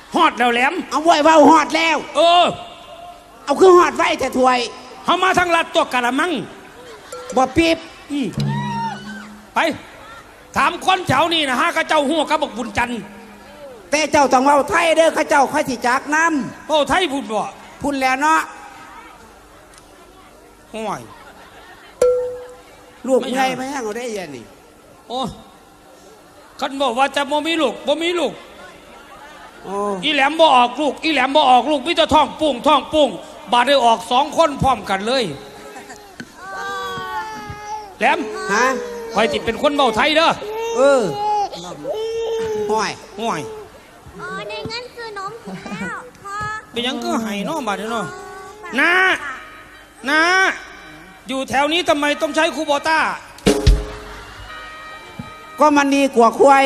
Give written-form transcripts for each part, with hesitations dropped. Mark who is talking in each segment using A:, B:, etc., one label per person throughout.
A: ฮอดแล้วแหลม
B: เอาไว้เว้าฮอดแล้วเอาคือฮอดไว้แต่ถวย
A: เฮามาทางลัดตัวกะละมัง
B: บ่ปีบ
A: ไปถามคนแถวนี้นะฮะข้าเจ้าหัวกระบอกบุญจันทร์
B: แต่เจ้าต้องเว้าไทยเด้อข้าเจ้าค่อยสิจักนำ
A: เว้าไทยพูดบ่
B: พูดแล้วเนาะ
A: ห่วย
B: ลูกใหญ่ไหมฮะเอาได้ยันนี่
A: โอ้คันบอกว่าจะบ่มีลูกอีแหลมบ่ออกลูกอีแหลมบ่ออกลูกมิจะท้องปุ้งบาดได้ออก2 คนพร้อมกันเลยแหลม
B: ฮะ
A: คอยจิเป็นคนเว้าไทยเด้อ
B: ห่วย
C: ได้เงินซื้อนมแล้วพ่อ
A: เป็นยังก็ให้น้องบาดเนาะนะอยู่แถวนี้ทำไมต้องใช้คูโบต้า
B: ก็มันดีกว่าควาย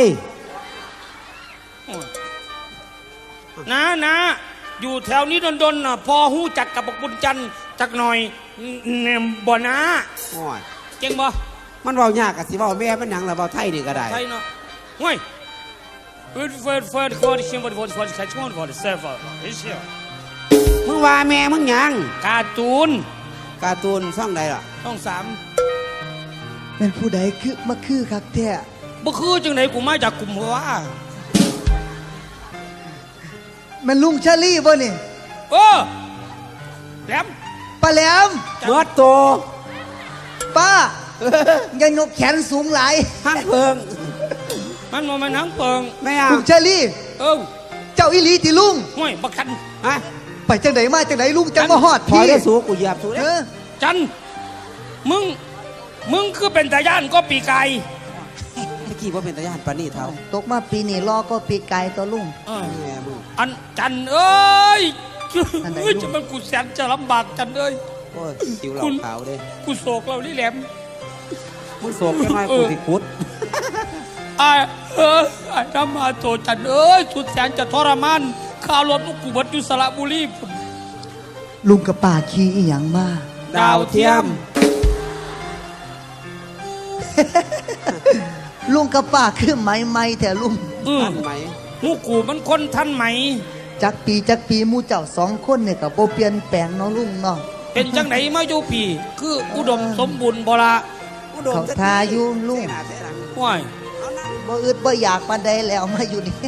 A: นะอยู่แถวนี้ดนๆนะพอหู้จักกับบุญจันทร์จักหน่อยบ่นะเก่งบ่
B: มันเว้ายากกับสิเว้าแม่มันหยังล่ะเว้าไทยนี่ก็ได้
A: ไทยเนาะห่วย
B: มึงว่าแม่มึงหยัง
A: การ์ตูน
B: ช่องใดล่ะ
A: ช่อง
D: 3เป็นผู้ใดคือมาคือคักแท้
A: บ่คือจังไหนกูมาจากกลุ่มหัว
D: มันลุงชาลี่บ่นี่
A: แหลม
D: ป้าแหลม
B: เบิดโต
D: ป้าอย่ายกแขนสูงหลาย
B: ห้างเพิง
A: มันบ่แม่นหางเปิง
B: แม่
D: ลุงชาลี่เจ้าอีหลีติลุง
A: ห่วยบักคัน
D: ไปจังไดมาจังไดลุงจังมาฮอด
B: พี่ได้สูกูเหยียบสูเด้
A: จันมึงคือเป็นตาย่านก็ปีไก่
B: เมื่อกี้ว่าเป็นตาย่านปานนี่เท่า
D: ตกมาปีนี้รอก็ปีไก่ตัวลุง
A: อันจันเอ้ยจะมันกูแสนจะลำบากจันเอ้ย
B: โอ้ยคิวเราขาวเด้
A: กูโศกเราลี่แหลม
B: มึงโศกแค่ไหนกูติคุด
A: ไอ้ทำมาโตจันเอ้ยสุดแสนจะทรมานข้าวรถลูกกูบัดอยู่สระบุรี
D: ลุงกับป่าขี่อีหยังมา
B: ดาวเทียม
D: ลุงกับป่าคือไหมแต่ลุง
B: ทันไหม
A: หูกูมันคนทันไหม
D: จักปีมูเจ้า2 คนเนี่ยกับโบเปลี่ยนแปลงเนาะลุงเนาะ
A: เป็นจังไหนมาอยู่ปีคืออุดมสมบูรณ์บ่ละ
D: เขาทาอยู่ลุง
A: ว้าย
D: บ่อึดบ่อยากปานใดแล้วมาอยู่นี่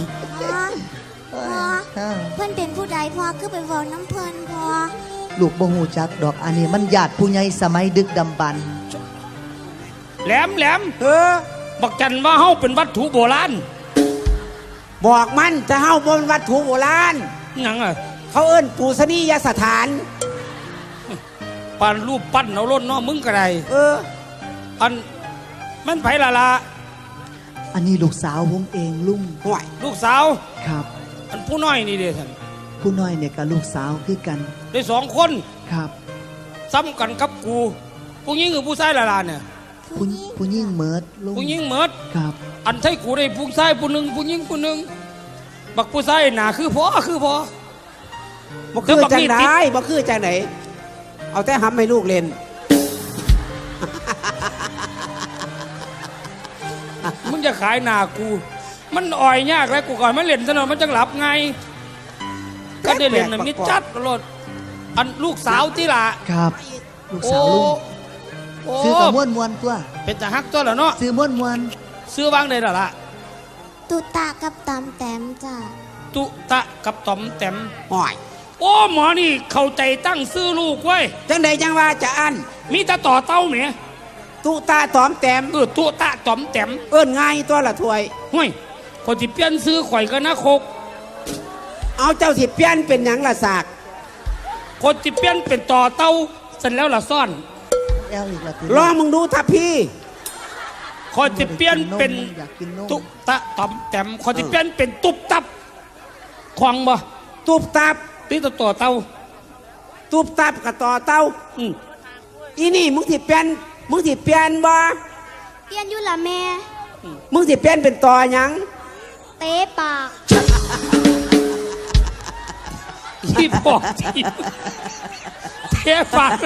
C: เพื่อนเป็นผู้ใดพ่อคือไปบอกน้ำเพลินพ่อ
D: ลูกบ่ฮู้จักดอกอันนี้มันญาติผู้ใหญ่สมัยดึกดำบรรพ์
A: แหลมบอกจันว่าเฮาเป็นวัตถุโบราณ
B: บอกมันจะเฮาบนวัตถุโบราณ
A: หยัง
B: เขาเอิ้นปูสนียสถาน
A: ปั้นรูปปั้นเอาล้นเนาะมึงก็ได้อันมันไผละ
D: อันนี้ลูกสาวผมเองลุง
B: ห่วย
A: ลูกสาว
D: ครับ
A: อันผู้น้อยนี่เด้ท่าน
D: ผู้น้อยเนี่ยกับลูกสาวคือกัน
A: ได้2 คน
D: ครับ
A: ซ้ำกันกับกูผู้หญิงกับผู้ชายละเนี่ย
D: ผู้หญิงเมิดลุง
A: ผู้หญิงเมิด
D: ครับ
A: อันใช่กูได้ผู้ชายผู้หนึ่งผู้หญิงผู้หนึ่งบักผู้ชายหนาคือพอบ่คือ
B: จังไหนบ่คือจังไหนเอาแต่ทำให้ลูกเล่น
A: มึงจะขายหนากูมันอ่อยยากแล้วกูก่อนมันเล่นซะหน่อยมันจังหลับไงก็ได้เล่นแบบนี้จัดตลอดอันลูกสาวที่ละ
D: ครับลูกสาวลุงซื้อกับม้วนตัว
A: เป็นจะฮักตัวเหรอเนาะ
D: ซื้อม้วน
A: ซื้อวางได้หรอล่ะ
C: ตุตะกับตอมแต้มจ้ะ
A: ตุตะกับตอมแต้ม
B: ห่อย
A: โอ้หมอนี่เข้าใจตั้งซื้อลูกไว้
B: จังใดจังว่าจะอัน
A: มีตาต่อเต้าไหม
B: ตุตะตอมแต้ม
A: ตุตะตอมแต้ม
B: เอิ้นง่ายตัวละถวย
A: ห่วยคนที่เปลี่ยนซื้อข่อยก็นะโคก
B: เอาเจ้าสิเปลี่ยนเป็นหยังละสาก
A: คนที่เปลี่ยนเป็นต่อเต้าเสร็จแล้วละซ่อน
B: รอมึงดูทับพี่
A: คนที่เปลี่ยนเป็นตุตะตอมแต้มคนที่เปลี่ยนเป็นตุบตับควังบ่
B: ตุบตับ
A: ตีต่อเต้า
B: ตุบตับกับต่อเต้าอีนี่มึงสิเปลี่ยนบ่
C: เปลี่ยนอยู่ละแม่
B: มึงสิเปลี่ยนเป็นต่อหยัง
C: เตะปาก
A: ที่บอกที่เตะปาก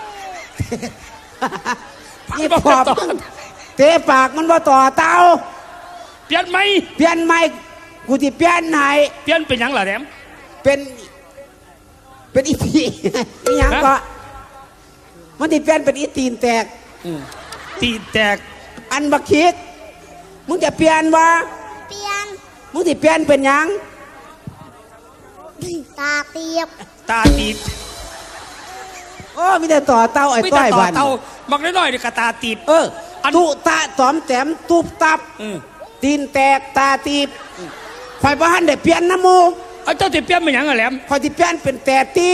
B: นี่ปอบเตะปากมันว่าต่อเต้า
A: เปลี่ยนไหม
B: กูที่เปลี่ยนให้
A: เปลี่ยนเป็นหยังล่ะแหลม
B: เป็นอีทีนี่ยังก็มันที่เปลี่ยนเป็นอีตีนแตก
A: ตีแตก
B: อันบักคิกมึงจะเปลี่ยนวะ
C: เปลี่ยน
B: มึงที่เปลี่ยนเป็นหยัง
C: ตาเตียบ
A: ตาตีบ
B: โอ้มีแต่ต่อเต้าไอ้
A: ไม่
B: ต้
A: แต่
B: อย
A: ต่อ
B: บัน
A: เตาบักน้อยๆนี่กะตาตีบ อัน
B: ตุตะตอมแต้มตุบตับ
A: อืม
B: ตีนแตกตาตีบข่อยบ้านได้เปลี่ยนนะหมู
A: เอาเจ้าที่เปลี่ยนเป็นหยังอะแหลม
B: ข่อยที่เปลี่ยนเป็นแต่ตี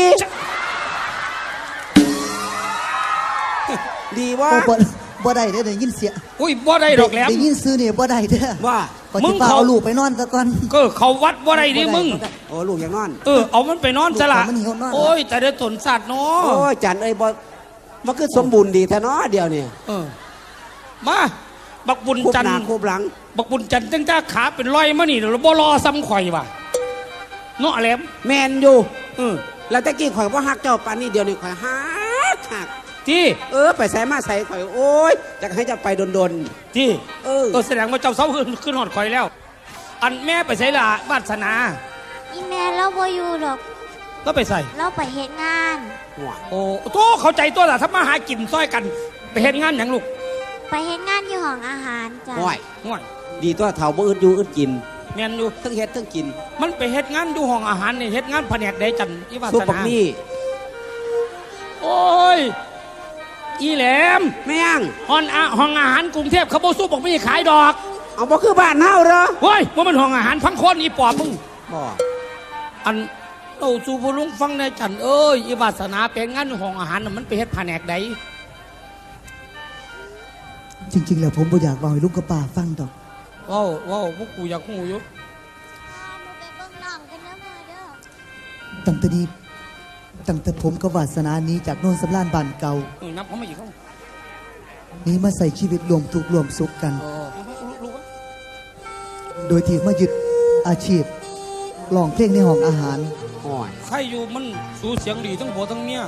B: ดีวะ
D: โอ้บ่ได้เด้อได้ยินเสียง
A: อุ้ยบ่ได้ดอกแหลม
D: ได้ยินซื้อนี่บ่ได้เด้อ
B: ว่า
D: ก่อน
A: มึ
D: ที่
A: ง
D: ป้า
A: เขา
D: เอาลูกไปนอนซะก่อน
A: ก็เขาวัดบ่ได้ดิมึง
B: โอ้ลูกอย่างนอน
A: เอามันไปนอนซะละ
D: มันหิวนอน
A: โอ้ยแต่ได้ตนสัตว์เนา
B: โอ้
A: ะ
B: ยจันเอ้ยบ่มันคือสมบูรณ์ดีแท้เนาะเดียวนี่
A: มาบักบุญ
B: คูบ
A: จัน
B: ห
A: ท
B: น้า
A: ร์
B: คูบหลัง
A: บักบุญจันทร์ตั้งแต่ขาเป็นรอยมานี่เราบ่รอซ้ำข่อยว่ะเนาะแหลม
B: แมนอยู่
A: เออ
B: แล้วตะกี้ข่อยว่าฮักเจ้าปานนี้เดียวนี่ข่อยฮัก
A: ที่
B: ไปใส่มาใส่ข่อยโอ้ยจะให้เจะไปดน
A: ที่
B: เออ
A: แสดงว่าเจ้าเสาขึ้นหอดข่อยแล้ว อันแม่ไปใส่ละวาสนา
C: อีแม่เราบ่อยู่หรอก
A: ก็ไปใส่
C: เราไปเฮ็ดงาน
B: หัว
A: โอ้โตเข้าใจตัวละถ้ามาหากินซ้อยกัน ไปเห็นงานอย่างลูก
C: ไปเฮ็ดงานอยู่ห้องอาหารจ้ะ
B: ห่วย
A: ง่อย
B: ดีตัวเฒ่าบ่อึดอยู่อึดกิน
A: แม่นอยู่
B: ทั้งเฮ็ดทั้งกิน
A: มันไปเฮ็ดงานอยู่ห้องอาหารนี่เฮ็ดงานแผนกใดจันอีวา
B: ซุป
A: ส
B: บัก
A: นา
B: นี่
A: โอ้ยอีแหลม
B: แม่ง
A: ห้องอาหารกรุงเทพเขาบ่สู้บอกไม่ขายดอก
B: เอาบ่คือบ้านเฮาเหรอ
A: เฮ้ยว่ามันห้องอาหารพังคนอีปอบมึง
B: บ่
A: อันเอาสู่ผู้ลุงฟังในจันเอ้ยอีวาสนาเป็นงานอยู่ห้องอาหารน่ะมันไปเฮ็ดแผนกใด
D: จริงๆแล้วผมบ่อยากเว้าให้ลุงกับป้าฟังดอก
A: ว้าวพวกกูอยากหูอยู่
C: หนูไปเบิ่งน้องกันนะมาเด้อ
D: ตั้งแต่ผมกับวาสนาหนี้จากโน่นสำรานบ้านเก่า
A: นับเขามาอีกเขา
D: นี้มาใส่ชีวิตรวมทุกข์รวมสุขกัน
A: รู้วะ
D: โดยที่มายึดอาชีพร้องเพลงในห้องอาหาร
B: ห่วย
A: ใครอยู่มันสูเสียงดีทั้งผัวทั้งเมียว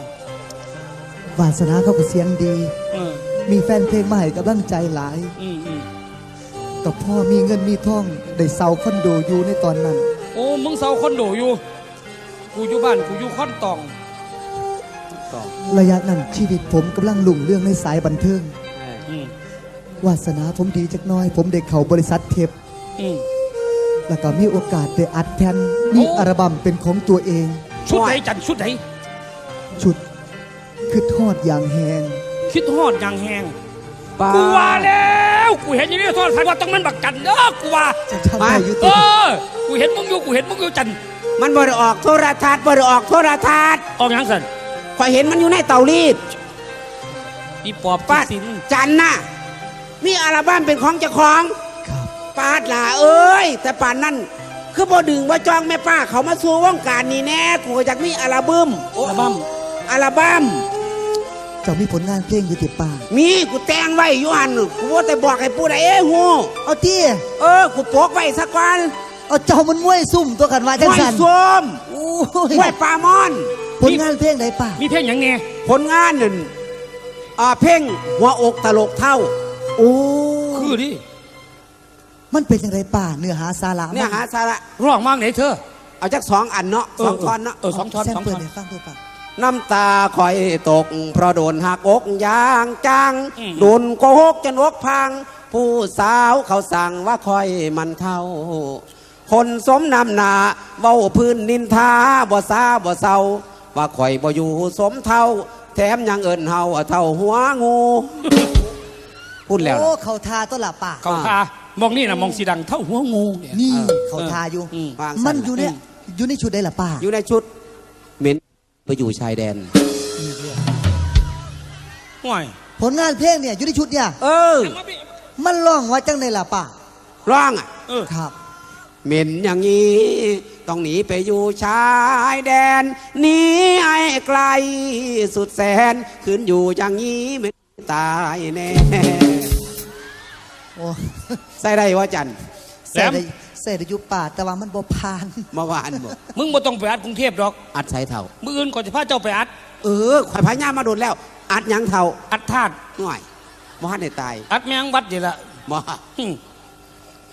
D: าสนาเขาก็เสียงดี
A: เออ
D: มีแฟนเพลงมาให้กำลังใจหลาย
A: อืม
D: แต่พ่อมีเงินมีทองได้เซาคอนโดอยู่ในตอนนั้น
A: โอ้มึงเศร้าคอนโดอยู่กูอยู่บ้านกูอยู่คอนตอง
B: ต่อ
D: ระยะนั้นชีวิตผมกำลังลุ่งเรื่องในสายบันเทิง
A: อืม
D: วาสนาผมดีจักหน้อย ผมได้เข้าบริษัทเทป
A: อืม
D: แล้วก็มีโอกาสได้อัดแผ่นมีอัลบั้มเป็นของตัวเอง
A: ชุดไหนจันชุดไหน
D: ชุดคือทอดอย่างแหง
A: คิดฮอดอย่างแหง
B: ป้า
A: กูว่าแล้วกูเห็นอย่างนี้โทษใครว่าต้องมันบักกันเด้อกูว่า
D: จะทำได้อยู่
A: เอ
D: ตัว
A: อกูเห็นมึงอยู่จัน
B: มันบ่ได้ออกโทรทัศน์บ่ได้ออกโทรทัศน์
A: ออกอย่างสัน
B: ข่อยเห็นมันอยู่ในเตารีด
A: อีปอบ
B: ป้า
A: สิน
B: จันน่ะมีอัลบั้มเป็นของเจ้าของ
D: ครับ
B: ปาดล่ะเอ้ยแต่ป่านนั้นคือบ่ดึงบ่จองแม่ป้าเขามาสู่วงการนี่แน่กูก็อยากมีอัลบั้ม
A: อัลบั้ม
B: อัลบั้ม
D: เจ้ามีผลงานเพลงอยู่ติป่า
B: มีกูแต่งไว้อยู่หันกูว่าแต่บอกให้ผู้ใดฮู้
D: เอาที่
B: กูโปกไว้สักวัน
D: เอาเจ้ามันมวยซุ่มตัวกันว่าจัง
B: ห้วย
D: สัน
B: ส้ม
D: โอ้
B: ห้วยปลามอน
D: ผลงานเพลงไหนป่า
A: มีเพลงอย่างไง
B: ผลงานนั่นเพ่งหัวอกตลกเท่า
D: โอ้
A: คือดิ
D: มันเป็นยังไงป่าเนื้อหาสาระ
B: เนี่ยหาสาระ
A: ร้องมากไหนเธอ
B: เอาจัก2 อันเนาะ2 ท่อนเนาะ
A: สองท่อน
D: แซม
A: สอง
D: เปิ
A: ท่
D: ด
A: อน
D: ให้ฟังด้วยป่า
B: น้ำตาคอยตก เพราะโดนหักอกอย่างจัง
A: อืม
B: โดนโกหกจนอกพัง ผู้สาวเขาสั่งว่าคอยมันเท่า คนสมนำหนาเว้าพื้นนินทาบ่ซาบ่เศร้าว่าคอยบ่อยู่สมเท่า แถมยังเอินเฮาเท่าหัวงู พูดแล้ว
D: โอ้
B: นะ
D: เขาทาตัวละป่า
A: เขาทามองนี่นะมองสีดังเท่าหัวงูเนี่ย
D: นี่
B: เออ
D: เขาทาอยู่
A: อืม
B: วาง
D: มั
B: สั่
D: น
B: น
D: อยู่เนี่ยอยู่ในชุดได้ละป่า
B: อยู่ในชุดเหม็นไปอยู่ชายแดน
A: ห่วย
D: ผลงานเพลงเนี่ยอยู่ในชุดเนี่ย
B: เออ
D: มันร้องว่าจังในละป่า
B: ร้องอ่ะ
A: เออ
D: ครับ
B: เหม็นอย่างนี้ ต้องหนีไปอยู่ชายแดนหนีให้ไกลสุดแสนคืนอยู่อย่างนี้ไม่ตายแน่
D: โอ้
B: ใส่ได้ว่าจัน
D: ใส่ได้ใส่ได้อยู่ป่าแต่ว่ามันบ่ผ่าน
B: เมื่อวานบอก
A: มึงบ่ต้องไปอัดกรุงเทพดอก
B: อัดใส่เท่า
A: มืออื่นก่อนจะพาเจ้าไปอัด
B: ข่อยพายามาโดนแล้ว อัดหยังเท่า
A: อัดธาตุ
B: หน่อยบ่ฮันได้ตาย
A: อัดแมงวัดนี่ละ
B: บ่
A: หึไป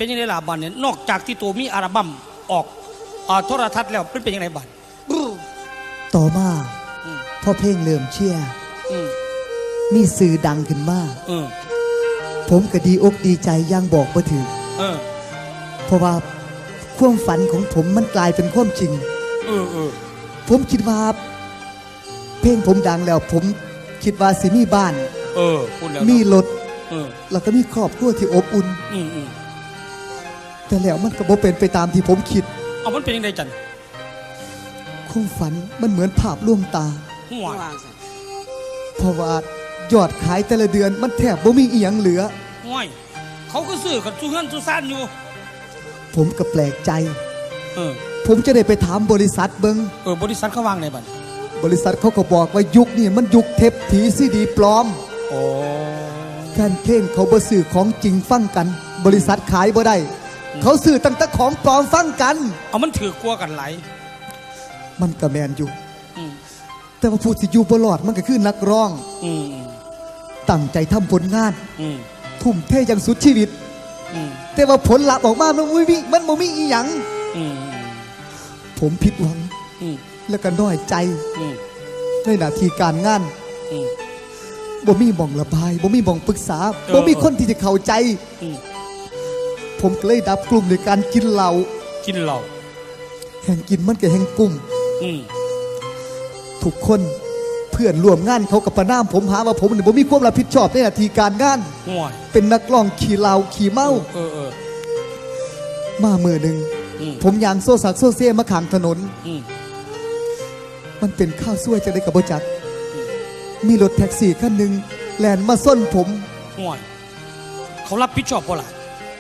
A: เป็นยังไงล่ะบัดเนี่ยนอกจากที่ตัวมีอัลบั้มออกโทรทัศน์แล้วเป็นยังไงบัด
D: ต่อมา
A: อืม
D: พอเพลงเริ่มเชียร์
A: อืม
D: มีสื่อดังขึ้นมา
A: เออ
D: ผมก็ดีอกดีใจอย่างบอกบ่ถึง
A: เออ
D: เพราะว่าความฝันของผมมันกลายเป็นความจริง
A: เออเออ
D: ผมคิดว่า เพลงผมดังแล้ว ผมคิดว่าสิมีบ้าน
A: เออพูดแล้ว
D: มีรถ
A: เออ
D: แล้วก็มีครอบครัวที่อบอุ่น
A: อืมอืม
D: แต่แล้วมันก็บ่เป็นไปตามที่ผมคิด
A: เอามันเป็นยังไงจัน
D: ความฝันมันเหมือนภาพลวงตา
A: หัว
B: วางซะ
D: เพราะว่ายอดขายแต่ละเดือนมันแทบบ่มีอีหยังเหลือ
A: ห้วยเขาก็ซื้อกันสู้เฮือนสู้ซ่านอยู่
D: ผมก็แปลกใจ
A: เออ
D: ผมจะได้ไปถามบริษัทเบิง
A: บริษัทเขาวางไหนบัด
D: บริษัทเขาก็บอกว่ายุคนี้มันยุคเทปผีซีดีปลอม
A: โอ้
D: แฟนเพลงเขาบ่ซื้อของจริงฟังกัน บริษัทขายบ่ได้ เขาซื้อตั้งแต่ของปลอมฟังกัน
A: เอามันถือกลัวกันไหลาย
D: มันก็แมนอยู่
A: อืม
D: แต่ว่าผู้ที่อยู่บ่รอดมันก็คือนักร้อง
A: อืม
D: ตั้งใจทำผลงาน
A: อืม
D: ทุ่มเทอย่างสุดชีวิต
A: อืม
D: แต่ว่าผลลัพธ์ออกมามันบ่มีอีหยัง
A: อืม
D: ผมผิดหวัง
A: อืม
D: แล้วก็น้อยใจ
A: อืม
D: ในหน้าที่การงาน
A: อืม
D: บ่มีบ่องระบายบ่มีบ่องปรึกษา
A: เออ
D: บ่มีคนที่จะเข้าใจ
A: อืม
D: ผมก็เลยดับกลุ่มในการกินเหล้า
A: กินเหล้า
D: แห่งกินมันก็แห่งกลุ่ม
A: อืม
D: ทุกคนเพื่อนร่วมงานเขากับประนามผมหาว่าผมเนี่ยผมมีความรับผิดชอบในหน้าที่การงาน
A: ห่วย
D: เป็นนักร้องขี่เหล้าขี่เมา
A: เออเออ
D: มามือหนึ่ง
A: อืม
D: ผมยางโซซักโซเซ่มาขางถนน
A: อืม
D: มันเป็นข้าวซวยจะได้กับบจัก มีรถแท็กซี่คันหนึ่งแลนมาส้นผม
A: ห่วยเขารับผิดชอบบ่ล่ะ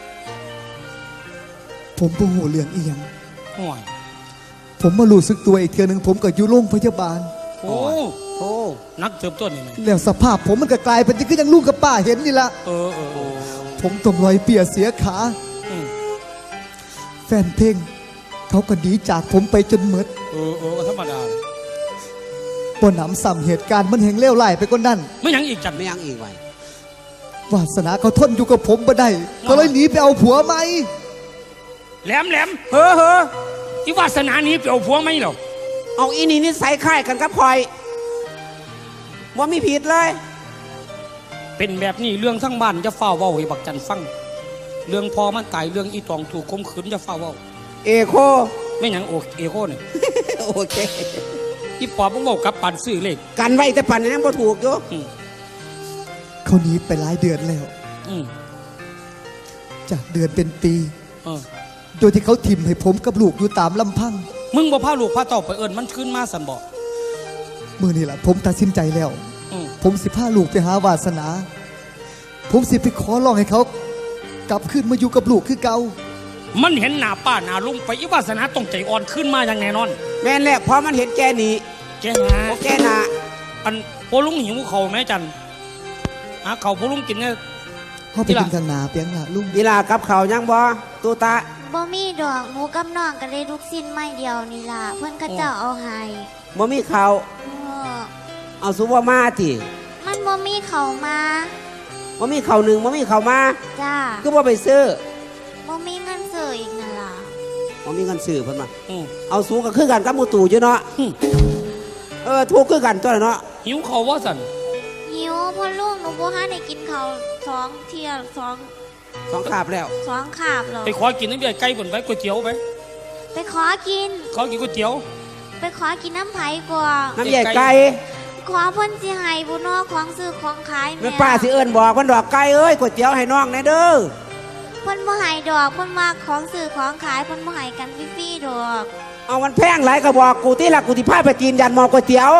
D: ผมบ่หูเรื่องอีหยัง
A: ห่วย
D: ผมมารู้สึกตัวอีกเทื่อหนึงผมก็อยู่โรงพยาบาล
A: โอ้
B: โอ้
A: นักเติบโตนี่แม่
D: แล้วสภาพผมมันก็กลายเป็นที่คือยังลูกกับป้าเห็นนี่ละ
A: เออเออเออ
D: ผมต้องลอยเปียเสียขา
A: อืม
D: แฟนเพลงเขาก็หนีจากผมไปจนหมด
A: เออเออก็ธรรมดา
D: บ่หนำซ้ำเหตุการณ์มันแห่งเลวร้ายไปกว่านั้น
A: ไม่หยังอีกจัน
B: ไม่ยังอีกไว้
D: วาสนาเขาทนอยู่กับผมบ่ได้เขาเลยหนีไปเอาผัวใหม่
A: แหลมแหลมเฮ้อเฮ้ออีวาสนานี้เปลี่ยวผัวไหมเหรอ
B: เอาอีนี่นิสัยคล้ายกันกับคอยว่ามีผิดเลย
A: เป็นแบบนี้เรื่องทั้งบ้านจะเฝ้าเว้าให้บักจันฟัง เรื่องพอมันตายเรื่องอีตองถูกข่มขืนจะเฝ้าเว้า
B: เอโค
A: ไม่หยังโอเอโคเนี่ย
B: โอเค
A: อีปอบมึงบอกกับปันซื้อเลข
B: กันไว้แต่ปันยังบ่ถูกอยู่
A: อืม
D: เขาหนีไปหลายเดือนแล้ว
A: อืม
D: จากเดือนเป็นปี
A: เออ
D: โดยที่เขาทิมให้ผมกับลูกอยู่ตามลำพัง
A: มึงบ่พาลูกพาเต่าไปเอิญมันขึ้นมาสันบอก
D: มื่อนี่แหละผมตัดสินใจแล้ว
A: อืม
D: ผมสิพาลูกไปหาวาสนา ผมสิไปขอร้องให้เขา กลับขึ้นมาอยู่กับลูกคือเก่า
A: มันเห็นหน้าป้าหน้าลุงไปอีวาสนาต้องใจอ่อนขึ้นมาอย่างแน่นอน
B: แม่นแหละเพราะมันเห็นแกหนี
A: แกหา
B: โอเคนะ
A: อันโปลุงหิวเขาไหมจันหาเขาโปลุงกินเนี่ย
D: เขาไปกินข้างหน้าเปียงหน้าลุง
B: ยีลากับเขาวยังบ่ตูตา
C: บ่มีดอกหมูกับน้องก็ได้ลูกสิ้นไม่เดียวนี่ล่ะเพื่อนเขาเจ้าเอาให้
B: บ่มีเขาว
C: เออ
B: เอาซุปว่ามาติ
C: มันบ่มีเขามา
B: บ่มีเขาวหนึ่งบ่มีเขาวมา
C: จ้า
B: ก็บ่ไปซื้อ
C: บ่มีเงินซื้ออีกนั่นล่ะ
B: บ่มีเงินซื้อเพิ่นมา
A: อืม
B: เอาสูงก็คือกันกับหมูตู่อยู่เนาะ
A: อืม
B: ถูกคือกันตัวเนาะ
A: หิวเขาว่าสัน
C: หิวพ่อลูกหนูบ่ทันได้กินข้าวสองเที่ยสอง
B: สองขาบแล้ว
C: สองคาบหรอก
A: ไปขอกินน้ำเบียร์ไก่บนไว้ก๋วยเตี๋ยวไป
C: ไปขอกิน
A: ขอกินก๋วยเตี๋ยว
C: ไปขอกินน้ำไผ่กว่า
B: น้ำใหญ่ไก่
C: ขอเพิ่นสิให้บุนอของซื้อของขาย
B: แม่ป้าสิเอิ้นบอกมันดอกไก่เอ้ยก๋วยเตี๋ยวให้น้องแน่เด้อ
C: เพิ่นบ่ให้ดอกเพิ่นว่าของซื้อของขายเพิ่นบ่ให้กันฟรีๆดอก
B: เอามันแพงหลายก็บอกกูที่ละกูที่พาไปกินยันหมอก๋วยเตี๋ยว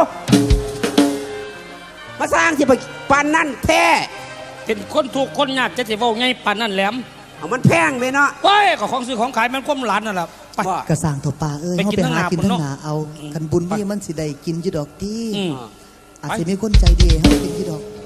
B: มาสร้างสิไปปันนั่นแท้
A: เป็นคนถูกคนยากจะสิเว้าไงปานนั่นแหลม
B: เอามันแพงไปเนาะ
A: เว้ยก็ของซื้อของขายมันความหลานนั่นแหละไป
B: บ่
D: กระสร้างถั่วปลาเอ้ย
A: ไป
D: เขา
A: กิน
D: ไปหากิน
A: ทั้
D: ทั้
A: ง
D: ง
A: ห
D: ห
A: นา
D: นาเอา
A: อืม
D: คันบุญนี่มันสิได้กินอยู่ดอกที่
A: อืม
D: อาจจะมีคนใจดีให้เขากินอยู่ดอก